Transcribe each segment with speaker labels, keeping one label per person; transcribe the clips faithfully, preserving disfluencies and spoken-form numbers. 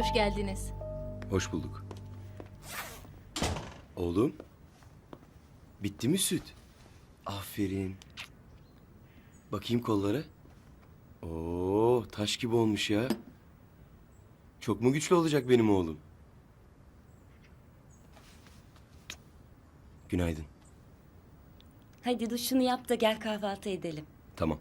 Speaker 1: Hoş geldiniz.
Speaker 2: Hoş bulduk. Oğlum. Bitti mi süt? Aferin. Bakayım kollara. Oo, taş gibi olmuş ya. Çok mu güçlü olacak benim oğlum? Günaydın.
Speaker 3: Hadi duşunu yap da gel kahvaltı edelim.
Speaker 2: Tamam.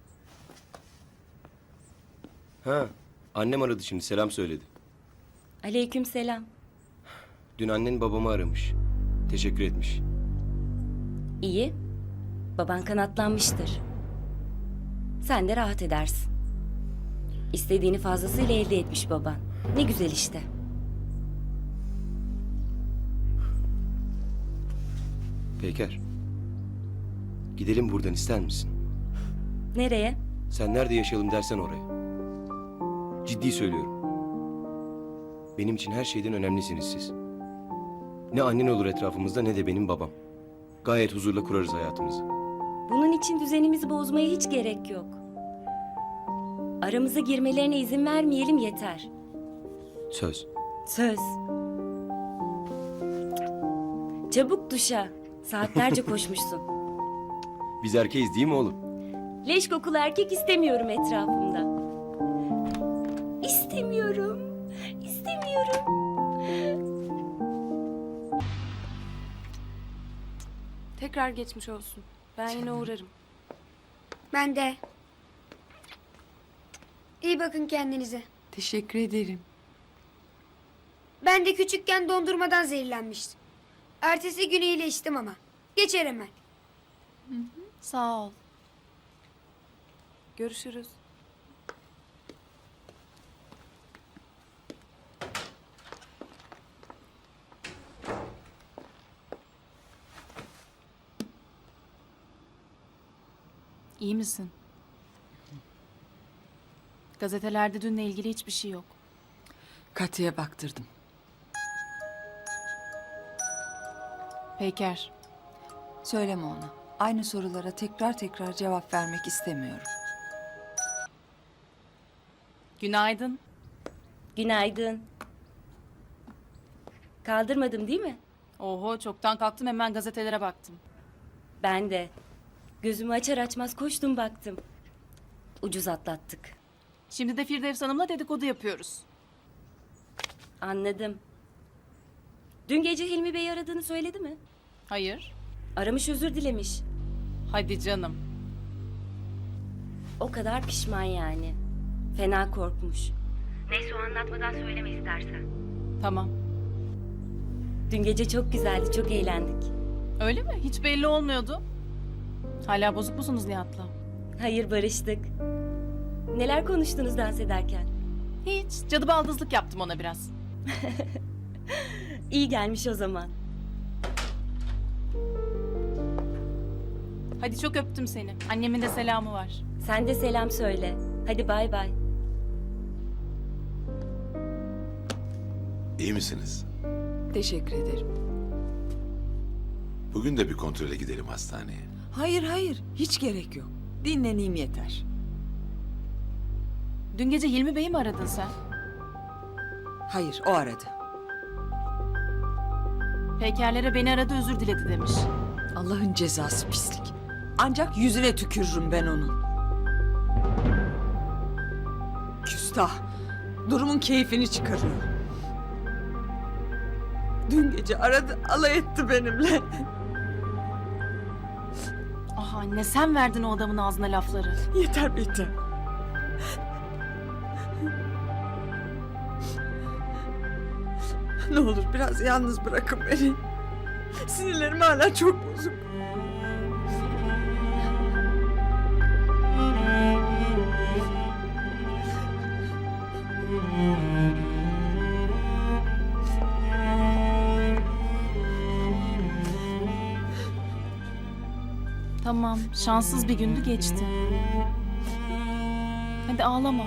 Speaker 2: Ha, annem aradı şimdi, selam söyledi.
Speaker 3: Aleyküm selam.
Speaker 2: Dün annen babamı aramış. Teşekkür etmiş.
Speaker 3: İyi. Baban kanatlanmıştır. Sen de rahat edersin. İstediğini fazlasıyla elde etmiş baban. Ne güzel işte.
Speaker 2: Peyker. Gidelim buradan, ister misin?
Speaker 3: Nereye?
Speaker 2: Sen nerede yaşayalım dersen oraya. Ciddi söylüyorum. Benim için her şeyden önemlisiniz siz. Ne annen olur etrafımızda ne de benim babam. Gayet huzurla kurarız hayatımızı.
Speaker 3: Bunun için düzenimizi bozmaya hiç gerek yok. Aramıza girmelerine izin vermeyelim yeter.
Speaker 2: Söz.
Speaker 3: Söz. Çabuk duşa. Saatlerce koşmuşsun.
Speaker 2: Biz erkeğiz değil mi oğlum?
Speaker 3: Leş kokulu erkek istemiyorum etrafımda. İstemiyorum. İstemiyorum.
Speaker 4: Tekrar geçmiş olsun. Ben yine uğrarım.
Speaker 5: Ben de. İyi bakın kendinize.
Speaker 4: Teşekkür ederim.
Speaker 5: Ben de küçükken dondurmadan zehirlenmiştim. Ertesi gün iyileştim ama. Geçer hemen.
Speaker 4: Sağ ol. Görüşürüz.
Speaker 6: İyi misin? Gazetelerde dünle ilgili hiçbir şey yok.
Speaker 7: Katya'ya baktırdım.
Speaker 6: Peyker,
Speaker 7: Söyleme ona. Aynı sorulara tekrar tekrar cevap vermek istemiyorum.
Speaker 6: günaydın.
Speaker 3: Günaydın. Kaldırmadım değil mi?
Speaker 6: Oho, çoktan kalktım, hemen gazetelere baktım.
Speaker 3: Ben de. Gözümü açar açmaz koştum baktım. Ucuz atlattık.
Speaker 6: Şimdi de Firdevs Hanım'la dedikodu yapıyoruz.
Speaker 3: Anladım. Dün gece Hilmi Bey aradığını söyledi mi?
Speaker 6: Hayır.
Speaker 3: Aramış, özür dilemiş.
Speaker 6: Hadi canım.
Speaker 3: O kadar pişman yani. Fena korkmuş. Neyse, o anlatmadan söyleme istersen.
Speaker 6: Tamam.
Speaker 3: Dün gece çok güzeldi, çok eğlendik.
Speaker 6: Öyle mi? Hiç belli olmuyordu. Hala bozuk musunuz Nihat'la?
Speaker 3: Hayır, barıştık. Neler konuştunuz dans ederken?
Speaker 6: Hiç. Cadı baldızlık yaptım ona biraz.
Speaker 3: İyi gelmiş o zaman.
Speaker 6: Hadi, çok öptüm seni. Annemin de selamı var.
Speaker 3: Sen de selam söyle. Hadi bay bay.
Speaker 8: İyi misiniz?
Speaker 7: Teşekkür ederim.
Speaker 8: Bugün de bir kontrole gidelim hastaneye.
Speaker 7: Hayır hayır, hiç gerek yok. Dinleneyim yeter.
Speaker 6: Dün gece Hilmi Bey'i mi aradın sen?
Speaker 7: Hayır, o aradı.
Speaker 6: Peykerlere beni aradı, özür diledi demiş.
Speaker 7: Allah'ın cezası pislik. Ancak yüzüne tükürürüm ben onun. Küstah. Durumun keyfini çıkarıyor. Dün gece aradı, alay etti benimle.
Speaker 6: Ah anne, sen verdin o adamın ağzına lafları.
Speaker 7: Yeter yeter. Ne olur biraz yalnız bırakın beni. Sinirlerim hala çok bozuk.
Speaker 6: Tamam, şanssız bir gündü, geçti. Hadi ağlama.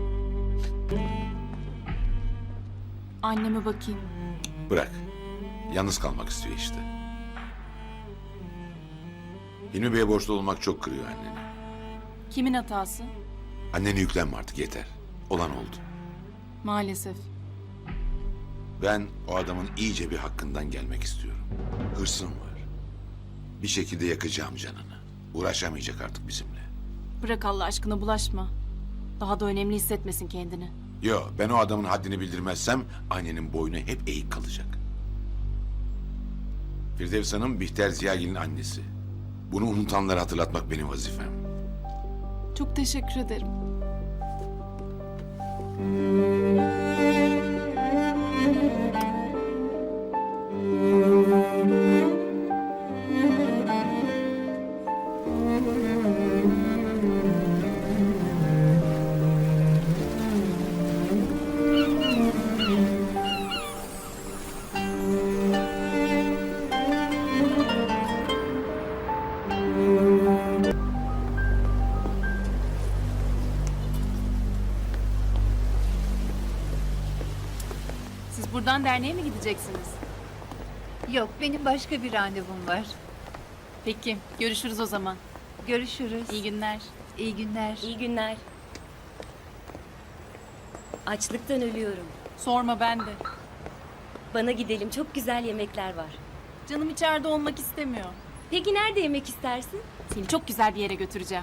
Speaker 6: Anneme bakayım.
Speaker 8: Bırak. Yalnız kalmak istiyor işte. Hilmi Bey'e borçlu olmak çok kırıyor anneni.
Speaker 6: Kimin hatası?
Speaker 8: Annene yüklenme artık yeter. Olan oldu.
Speaker 6: Maalesef.
Speaker 8: Ben o adamın iyice bir hakkından gelmek istiyorum. Hırsım var. Bir şekilde yakacağım canını. Uğraşamayacak artık bizimle.
Speaker 6: Bırak Allah aşkına bulaşma. Daha da önemli hissetmesin kendini.
Speaker 8: Yo, ben o adamın haddini bildirmezsem annenin boynu hep eğik kalacak. Firdevs Hanım Bihter Ziyagil'in annesi. Bunu unutanlara hatırlatmak benim vazifem.
Speaker 6: Çok teşekkür ederim. Siz buradan derneğe mi gideceksiniz?
Speaker 1: Yok, benim başka bir randevum var.
Speaker 6: Peki, görüşürüz o zaman.
Speaker 1: Görüşürüz.
Speaker 6: İyi günler.
Speaker 1: İyi günler.
Speaker 3: İyi günler. Açlıktan ölüyorum.
Speaker 6: Sorma ben de.
Speaker 3: Bana gidelim, çok güzel yemekler var.
Speaker 6: Canım içeride olmak istemiyor.
Speaker 3: Peki nerede yemek istersin?
Speaker 6: Seni çok güzel bir yere götüreceğim.